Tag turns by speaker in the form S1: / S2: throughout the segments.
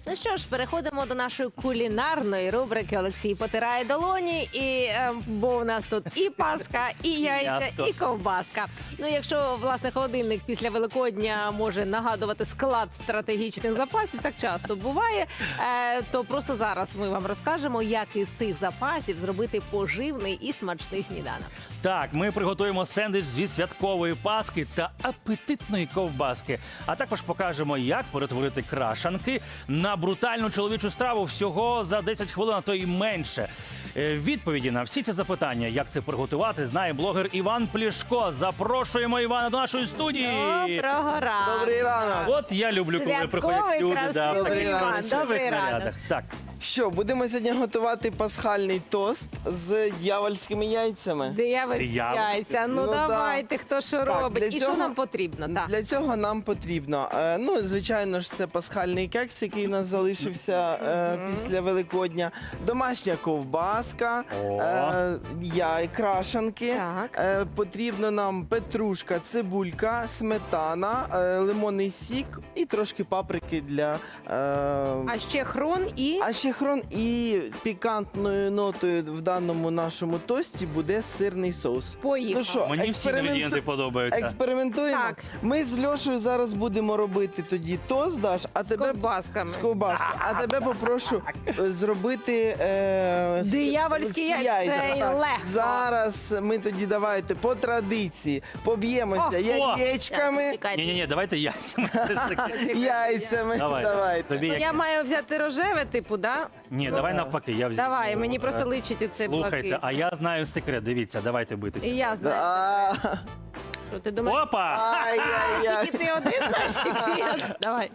S1: Ну що ж, переходимо до нашої кулінарної рубрики. Олексій потирає долоні, бо у нас тут і паска, і яйця, і ковбаска. Ну, якщо, власне, холодильник після Великодня може нагадувати склад стратегічних запасів, так часто буває, то просто зараз ми вам розкажемо, як із тих запасів зробити поживний і смачний сніданок.
S2: Так, ми приготуємо сендвіч зі святкової паски та апетитної ковбаски. А також покажемо, як перетворити крашанки на брутальну чоловічу страву всього за 10 хвилин, а то й менше. Відповіді на всі ці запитання, як це приготувати, знає блогер Іван Плішко. Запрошуємо Івана до нашої студії.
S1: Доброго ранку!
S3: Добрий ранок!
S2: От я люблю, коли приходять люди.
S1: Красивий
S3: Добрий
S1: Іван.
S3: ранок.
S1: Добрий ранок.
S2: Так.
S3: Що, будемо сьогодні готувати пасхальний тост з дьявольськими яйцями.
S1: Диявольські яйця. Ну,
S3: Ну,
S1: давайте, хто що
S3: Так,
S1: робить.
S3: для
S1: І
S3: цього-
S1: що нам потрібно? Так.
S3: Для цього нам потрібно, звичайно ж, це пасхальний кекс, який у нас залишився після Великодня, домашня ковбаска, крашанки.
S1: Так.
S3: Потрібно нам петрушка, цибулька, сметана, лимонний сік і трошки паприки для...
S1: А ще хрон і...
S3: А ще хрон і пікантною нотою в даному нашому тості буде сирний соус.
S1: Поїхали.
S3: Ну що,
S2: Мені всі інгредієнти подобаються.
S3: експериментуємо?
S1: Так.
S3: Ми з Льошею зараз будемо робити тоді тост, Даш, а тебе
S1: ковбасками.
S3: з ковбаскою. А тебе попрошу зробити
S1: Диявольські яйця.
S3: Так.
S1: Легко.
S3: Зараз ми тоді давайте по традиції поб'ємося яєчками,
S1: Чекайте.
S2: Ні, давайте яйцями. все ж таки.
S3: яйцями.
S2: Давай.
S3: Давайте.
S2: Тобі
S1: Ну,
S2: як?
S1: я маю взяти рожеве, типу, да?
S2: Ні, давай навпаки. Я взяв.
S1: Давай, мені просто личить оцей
S2: Слухайте,
S1: блакит.
S2: а я знаю секрет. Дивіться, давайте битися.
S1: І я знаю.
S3: А,
S1: Що ти думаєш?
S2: Опа!
S3: Ай-яй-яй.
S1: Тільки ти один знаєш секрет. Давай.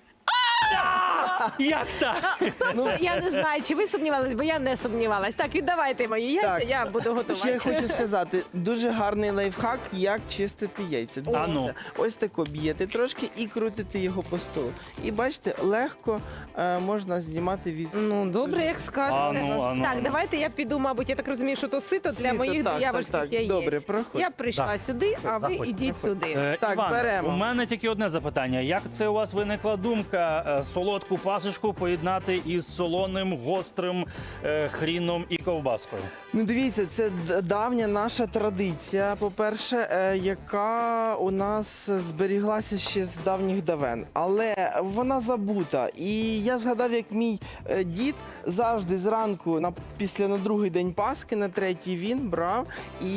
S2: Як так?
S1: Я не знаю, чи ви сумнівались, бо я не сумнівалась. Так, віддавайте мої яйця,
S3: Так.
S1: я буду
S3: Ще я
S1: готувати.
S3: хочу сказати, дуже гарний лайфхак, як чистити яйця.
S2: А ну.
S3: Дивіться, ось тако б'єте трошки і крутите його по столу. І бачите, легко можна знімати від...
S1: Ну, добре, як скажете.
S2: Ану.
S1: Так, давайте я піду, мабуть, я так розумію, що то сито для
S3: Сито,
S1: моїх
S3: так,
S1: диявольських
S3: так.
S1: яєць.
S3: Добре, проходь.
S1: Я прийшла
S2: Так.
S1: сюди, а ви
S2: Заходь,
S1: ідіть туди.
S3: Так,
S2: Іван,
S3: беремо.
S2: у мене тільки одне запитання. Як це у вас виникла думка солодку пасочку поєднати із солоним, гострим хріном і ковбаскою?
S3: Ну, дивіться, це давня наша традиція, по-перше, яка у нас зберіглася ще з давніх давен. Але вона забута. І я згадав, як мій дід завжди зранку, на другий день Пасхи, на третій, він брав і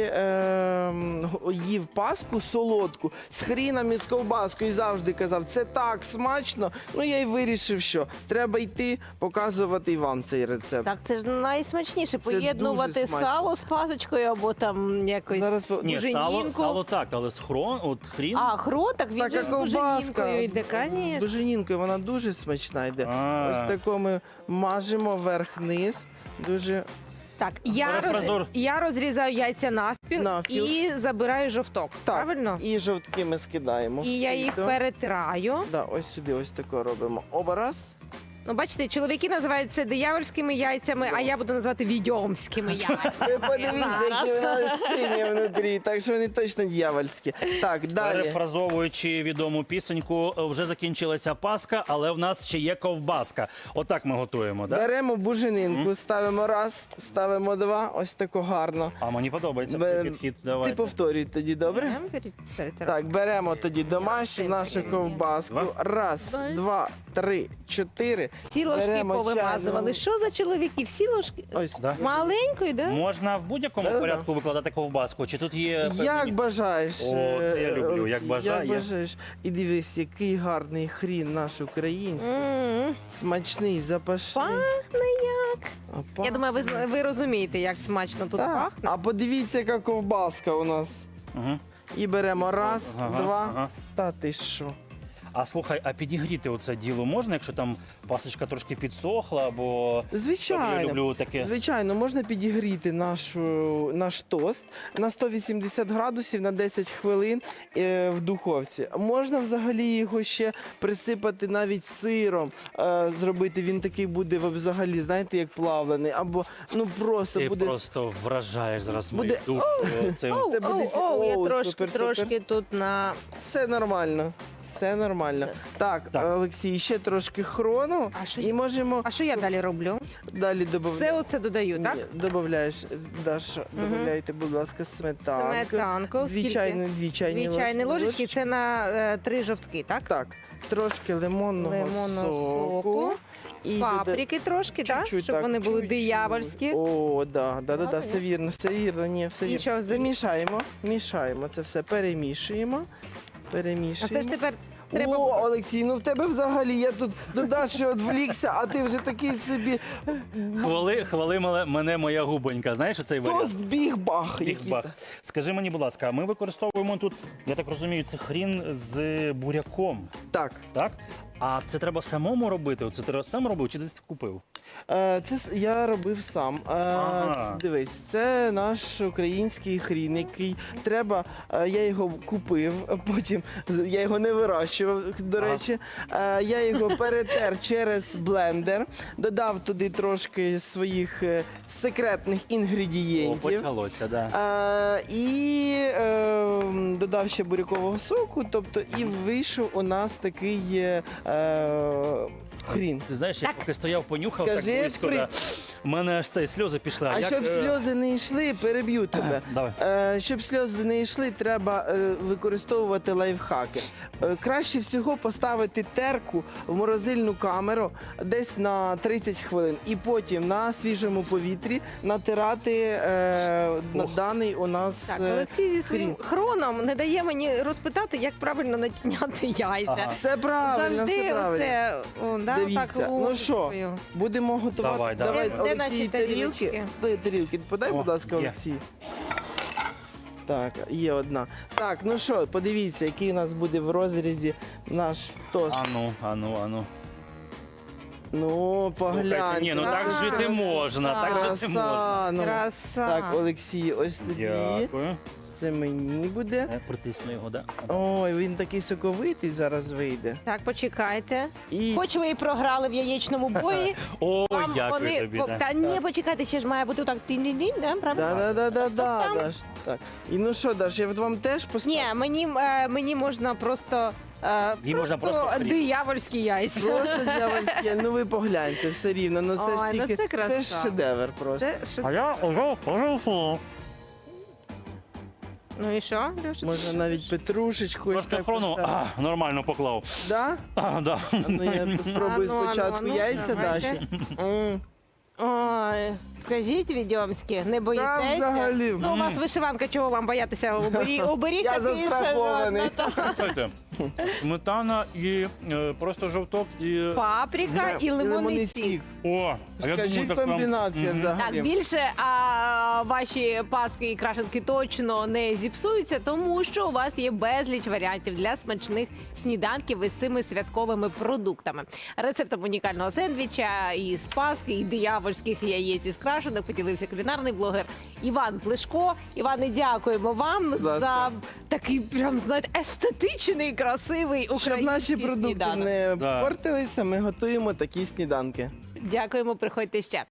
S3: їв паску солодку з хріном і з ковбаскою. І завжди казав, це так смачно. Ну, я й вирішив, що треба йти показувати і вам цей рецепт.
S1: Так, це ж найсмачніше
S3: Це
S1: поєднувати
S3: дуже смачно.
S1: сало з пасочкою або там якось
S3: Зараз
S2: Ні,
S1: буженінку.
S2: сало так, але з хрін.
S1: А, хрон, так він же
S3: Така
S1: з
S3: ковбаска.
S1: буженінкою йде,
S3: З
S1: звісно.
S3: буженінкою вона дуже смачна йде.
S2: А.
S3: Ось тако ми мажемо верх-низ. Дуже
S1: Так,
S2: Перефразор.
S1: я розрізаю яйця навпіл,
S3: Навпіл.
S1: і забираю жовток,
S3: так.
S1: правильно?
S3: І жовтки ми скидаємо.
S1: І я їх перетираю.
S3: Да, ось сюди, ось тако робимо. Оба раз.
S1: Ну, бачите, чоловіки називають це диявольськими яйцями, а я буду називати відьомськими яйцями.
S3: Ви подивіться, які
S1: Зараз.
S3: вони сині внутрі, так що вони точно дьявольські. Так, далі.
S2: Перефразовуючи відому пісеньку, вже закінчилася Пасха, але в нас ще є ковбаска. Отак ми готуємо, так?
S3: Беремо буженинку, ставимо раз, ставимо два, ось тако гарно.
S2: А мені подобається
S3: Бе-
S2: такий підхід. Давай.
S3: Ти повторюй тоді, добре?
S1: Перетираю.
S3: Так, беремо тоді домашню нашу ковбаску.
S2: Два.
S3: Раз, два, три, чотири.
S1: Всі ложки
S3: Беремо
S1: повимазували.
S3: чайну.
S1: Що за чоловіки? Всі ложки?
S3: Ось.
S2: Да.
S1: Маленькою, да?
S2: Можна в будь-якому
S3: Да-да-да.
S2: порядку викладати ковбаску? Чи тут є
S3: Як
S2: певні-
S3: бажаєш.
S2: О, це я люблю,
S3: Олексій,
S2: як бажає.
S3: Як бажаєш. І дивись, який гарний хрін наш український.
S1: М,
S3: Смачний, запашний.
S1: Пахне як.
S3: Опа.
S1: Я думаю, ви розумієте, як смачно тут
S3: Так.
S1: пахне.
S3: А подивіться, яка ковбаска у нас.
S2: Мгм.
S3: І беремо раз,
S2: Ага,
S3: два.
S2: ага.
S3: Та ти що?
S2: А слухай, а підігріти оце діло можна, якщо там пасочка трошки підсохла, бо я
S3: Звичайно.
S2: люблю таке.
S3: Звичайно, можна підігріти наш тост на 180 градусів на 10 хвилин в духовці. Можна взагалі його ще присипати навіть сиром, зробити. Він такий буде взагалі, знаєте, як плавлений. Або ну просто
S2: Ти
S3: буде.
S2: просто вражаєш зараз
S3: Буде-
S2: мою душу. Цим.
S1: Оу,
S3: Це буде
S1: оу, я
S3: оу,
S1: трошки,
S3: супер,
S1: трошки
S3: супер.
S1: тут на...
S3: Все нормально. все нормально. Так,
S2: Так.
S3: Олексій, ще трошки хрону
S1: А що
S3: і
S1: я-
S3: можемо
S1: А що я далі роблю?
S3: далі додати.
S1: Все оце додаю, так?
S3: Додаєш, Даша, додавайте, будь ласка, сметанку.
S1: Сметанку.
S3: Дві
S1: Скільки?
S3: чайні
S1: Дві чайні ложечки. Це на 3 жовтки, так?
S3: Так, трошки лимонного
S1: Лимонного соку.
S3: І
S1: Паприки трошки, так?
S3: чуть-чуть,
S1: Щоб
S3: так,
S1: вони були
S3: чуть-чуть.
S1: диявольські.
S3: О, да,
S1: Ладно.
S3: все вірно, ні, все
S1: І
S3: вірно.
S1: що,
S3: Замішаємо, мішаємо це все, перемішуємо.
S1: А це ж тепер треба...
S3: О, Олексій, ну в тебе взагалі, я тут до Даші відвлікся, а ти вже такий собі
S2: Хвали мене моя губонька. Знаєш оцей варіант?
S3: тост біг-бах. якийсь.
S2: Бігбах. Скажи мені, будь ласка, ми використовуємо тут, я так розумію, це хрін з буряком,
S3: Так,
S2: так? А це треба самому робити? Це треба сам робив чи десь купив?
S3: я робив сам.
S2: Ага.
S3: Дивись, це наш український хрін, який треба. Я його купив, а потім я його не вирощував, до
S2: Ага.
S3: речі. Я його перетер через блендер, додав туди трошки своїх секретних
S2: О,
S3: інгредієнтів.
S2: почалося, да.
S3: І додав ще бурякового соку, тобто і вийшов у нас такий хрін.
S2: Ти знаєш, я поки стояв, понюхав
S3: Скажи,
S2: так близько,
S3: при-
S2: да. У мене аж цей сльози пішли.
S3: А
S2: як,
S3: щоб сльози не йшли, переб'ю тебе.
S2: Давай.
S3: Щоб сльози не йшли, треба використовувати лайфхаки. Краще всього поставити терку в морозильну камеру десь на 30 хвилин і потім на свіжому повітрі натирати на
S2: Ох.
S3: даний у нас
S1: Так, Олексій зі своїм
S3: хрін.
S1: хроном не дає мені розпитати, як правильно начиняти яйця.
S2: Ага.
S3: Все правильно,
S1: Завжди
S3: все правильно.
S1: оце, о, да,
S3: Дивіться,
S1: так,
S3: ну що,
S1: ложкою.
S3: будемо готувати.
S2: Давай, давай.
S1: Де
S3: Олексій,
S1: наші
S3: тарілки.
S1: тарілочки?
S3: Дай тарілки. Подай,
S2: О,
S3: будь ласка,
S2: є.
S3: Олексій. Так, є одна. Так, ну що, подивіться, який у нас буде в розрізі наш тост.
S2: Ану.
S3: Ну, погляньте.
S2: Слухайте, ні, ну так
S1: Краса.
S2: жити можна, так жити можна.
S3: Краса. Ну,
S1: Краса.
S3: так, Олексій, ось тобі.
S2: Дякую.
S3: Це мені буде.
S2: Притисну його, да?
S3: Ой, він такий соковитий зараз вийде.
S1: Так, почекайте.
S3: І
S1: Хоч ви і програли в яєчному бої,
S2: Ой,
S1: вам
S2: дякую тобі. да.
S1: Та ні, почекайте, ще ж має бути так тінь-тінь, да, правда?
S3: да,
S1: Там.
S3: Даш. Так. І ну що, Даш, я вам теж поставлю?
S1: Ні, мені можна просто...
S2: Їй можна просто хліб.
S1: диявольські яйця.
S3: Просто дьявольське, ну ви погляньте, все рівно. Ну це
S1: Ой,
S3: ж
S1: ну
S3: тільки
S1: це краса.
S3: ж шедевр просто.
S1: Це
S2: А я вже поживу.
S1: Ну і що, Леша?
S3: Можна навіть петрушечку ось
S2: Трошки
S3: так
S2: хрону
S3: поставити.
S2: нормально поклав.
S3: Да?
S2: Да.
S3: А ну я спробую
S1: А ну,
S3: спочатку
S1: ну,
S3: яйця
S1: давайте.
S3: Даші. М.
S1: Ой, скажіть, відьомські, не
S3: Та
S1: боїтеся?
S3: взагалі.
S1: Ну, у вас вишиванка, чого вам боятися? Оберіть
S3: Я
S1: такий
S3: застрахований.
S2: Слухайте, сметана і просто жовток і...
S1: Паприка і лимонний сік.
S2: О, а я
S3: Скажіть,
S2: думаю, так прям...
S3: комбінація
S2: Мгм.
S3: взагалі.
S1: Так, більше ваші паски і крашенки точно не зіпсуються, тому що у вас є безліч варіантів для смачних сніданків із цими святковими продуктами. Рецептом унікального сендвіча із паски, і диявольських яєць із крашенок поділився кулінарний блогер Іван Плешко. Іване, дякуємо вам
S3: ласка.
S1: за такий прям, знаєте, естетичний, красивий
S3: Щоб
S1: український
S3: наші продукти
S1: сніданок.
S3: не
S2: Да.
S3: портилися, ми готуємо такі сніданки.
S1: Дякуємо, приходьте ще.